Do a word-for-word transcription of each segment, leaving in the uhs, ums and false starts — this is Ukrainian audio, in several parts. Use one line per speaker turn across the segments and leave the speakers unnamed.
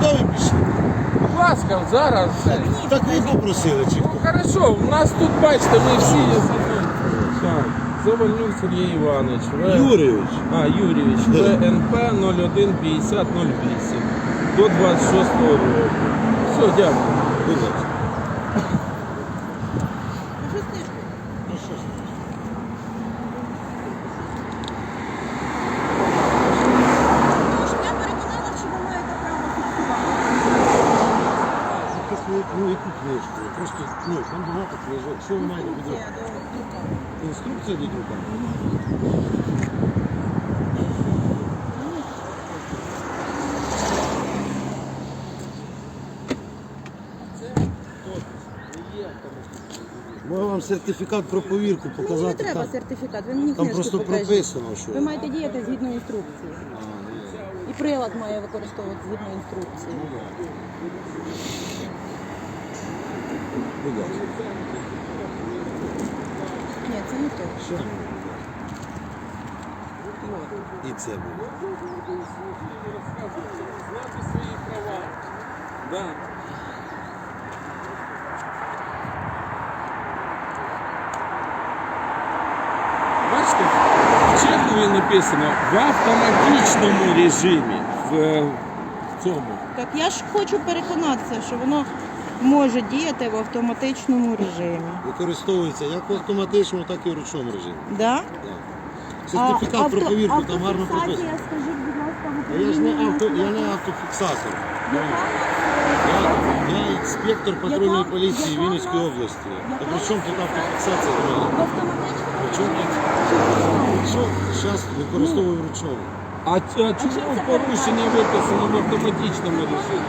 ви пішли?
Будь ласка, зараз.
Так ви попросили чи хто?
Хорошо, у нас тут, бачите, ми всі є. Так, Завальнюк Сергій Іванович. В...
Юрійович.
А, Юрійович. В Н П нуль один п'ятдесят нуль вісім. До двадцять шостого року. Все, дякую.
Будь ласка.
Я переконала, що ви маєте право фіксувати.
Ну, яку книжку? Просто, ну, там багато книжок. Що ви маєте під рукою? Інструкція до друка? Можу вам сертифікат про повірку
Мені не
показати.
треба
Там,
сертифікат, ви мені
там
книжку
просто
покажіть.
прописано, що...
Ви маєте діяти згідно інструкції.
А, ну,
І прилад має використовувати згідно інструкції.
будь ласка.
Ні, це не то.
Що? І це буде.
Знати свої права. Да. Бачите, в Чехові написано в автоматичному режимі. В, в цьому.
Так я ж хочу переконатися, що воно може діяти в автоматичному режимі.
Використовується як в автоматичному, так і в ручному режимі.
Да?
Так. Сертифікат про повірку там гарно прописано.
Скажіть, будь ласка, в
А я ж не,
Україні
авто, я
немає.
не автофіксатор.
Яка?
Я, я інспектор патрульної
Яка-
поліції
яка
Вінницької
в нас-
області.
яка
А при чому тут автофіксація до мене?
В автоматичному
При чому тут? Що зараз використовую вручному?
А, а чому порушення виписано в автоматичному режимі?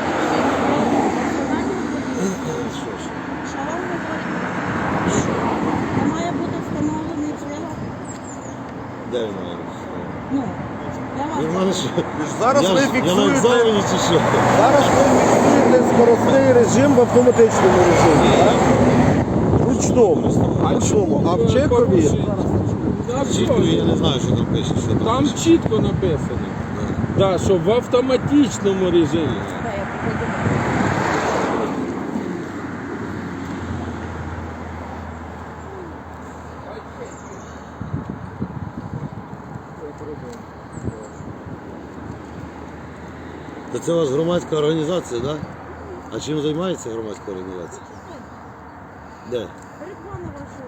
Що ж?
Що вам говорить? Це має бути встановлений прилад.
Де він має бути?
Ну, я
Ви в
вас...
мене що?
Зараз
я,
ви
ж- я на
фіксуєте,
екзамені чи що?
зараз ви фіксуєте скоростний режим в автоматичному режимі, так? Ручному. Ручному. А в Чекові
Чіткові я не знаю, що там пише. Що там,
Там
пише.
чітко написано. Да, що в автоматичному режимі.
Да, я покладу.
Та це у вас громадська організація, так? Да? А чим займається громадська організація? Де?
Реклама вашого.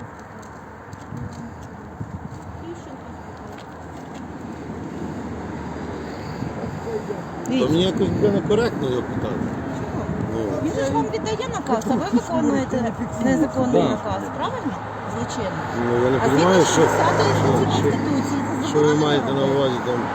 То мені якось буде некоректно його питати. Ну,
Він же ж вам віддає наказ, а ви виконуєте незаконний
Да.
наказ, правильно? Злочинно.
ну я не
А згідно
розумію, що,
шістдесятої статті
що,
Конституції це
що ви
заборонено
маєте на
робити.
увазі там,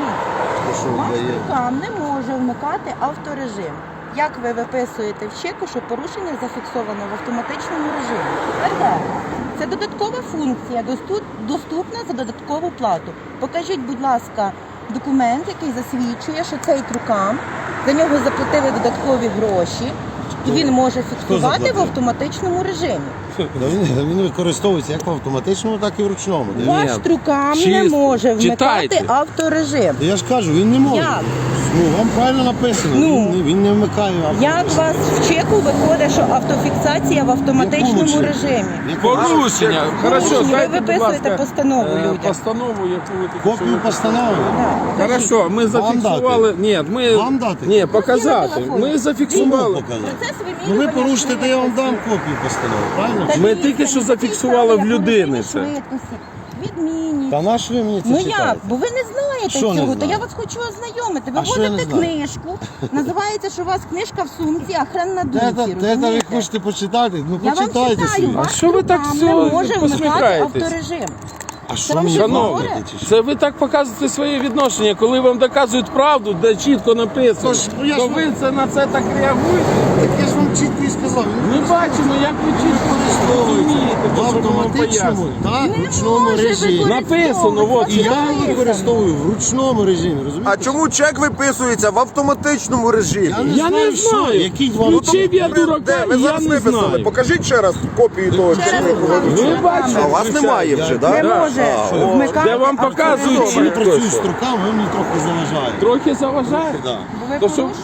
що
Ваш
дає.
рукам не може вмикати авторежим. Як ви виписуєте в чеку, що порушення зафіксовано в автоматичному режимі? Тепер це додаткова функція, доступ- доступна за додаткову плату. Покажіть, будь ласка, документ, який засвідчує, що цей трукам, за нього заплатили додаткові гроші, і він може фіксувати в
заплатив?
автоматичному режимі.
Та Він, він використовується як в автоматичному, так і в ручному. Дивіться.
Ваш трукам не
чисто.
може вмикати
Читайте.
авторежим.
Та я ж кажу, він не може.
Як?
Ну, вам правильно написано,
Ну.
він, не- він не вмикає авторежим.
Як у вас в чеку виходить, що автофіксація в автоматичному
Якому чеку?
режимі?
Якому?
Порушення. Хорошо,
Порушення. Ви
дайте, будь
виписуєте
ласка,
постанову
е,
людям.
Постанову, яку ви тільки
Копію
що
постанови?
Да.
Хорошо, ми зафіксували. Ні, ми
Вам дати?
ні, показати.
телефон.
Ми
Кому
зафіксували.
показати?
Процес
Ну ви
вимірювання
порушите, то я вам дам
швидкості.
копію постанови, правильно?
Та
Ми
дивіться,
тільки що
не
зафіксували
тільки
в людини це.
порушення швидкості, Відмінність.
Та на що ви мені це
Ну
читаєте?
як? Бо ви не знаєте
Що не
цього, то
знаю?
я вас хочу ознайомити. Ви
А що я не
возите
знаю?
книжку, називається, що у вас книжка в сумці, а хрен на
Те,
думці,
те, те, ви
розумієте?
хочете почитати? Ну
Я вам
почитайте
читаю,
собі.
ваш
А що ви так
трукам
все
не може вмикати
посміхаєтесь?
авторежим.
А що
вам
мені
щось
Шановні,
говорить?
говорите, чи що?
це ви так показуєте своє відношення, коли вам доказують правду, де чітко написано.
Тож, ну, я
то
ж-
ви це на це так реагуєте.
Так я ж вам чітко і сказав.
Ми бачимо, як ви чітко розумієте,
В
те, що ми вам
автоматичному
пояснюємо.
та
Не
ручному
може
режимі.
використовувати.
Написано, от,
І я
Написано.
використовую в ручному режимі, розумієте?
А чому чек виписується в автоматичному режимі?
Я не
Я
знаю,
не
що,
знаю.
який вам...
Включив я
Ви-
дурака,
де? Ви
і я
зараз
не
виписали.
знаю.
Покажіть ще раз копію того
Ще раз
чеку.
покажу.
Ви бачите,
А у вас немає вже,
Не
так?
може
о,
вмикати
де вам
авторежим.
показують
Я не
чітко.
працюю з руками, ви мені трохи заважаєте.
Трохи заважає.
Да.
Бо ви
То що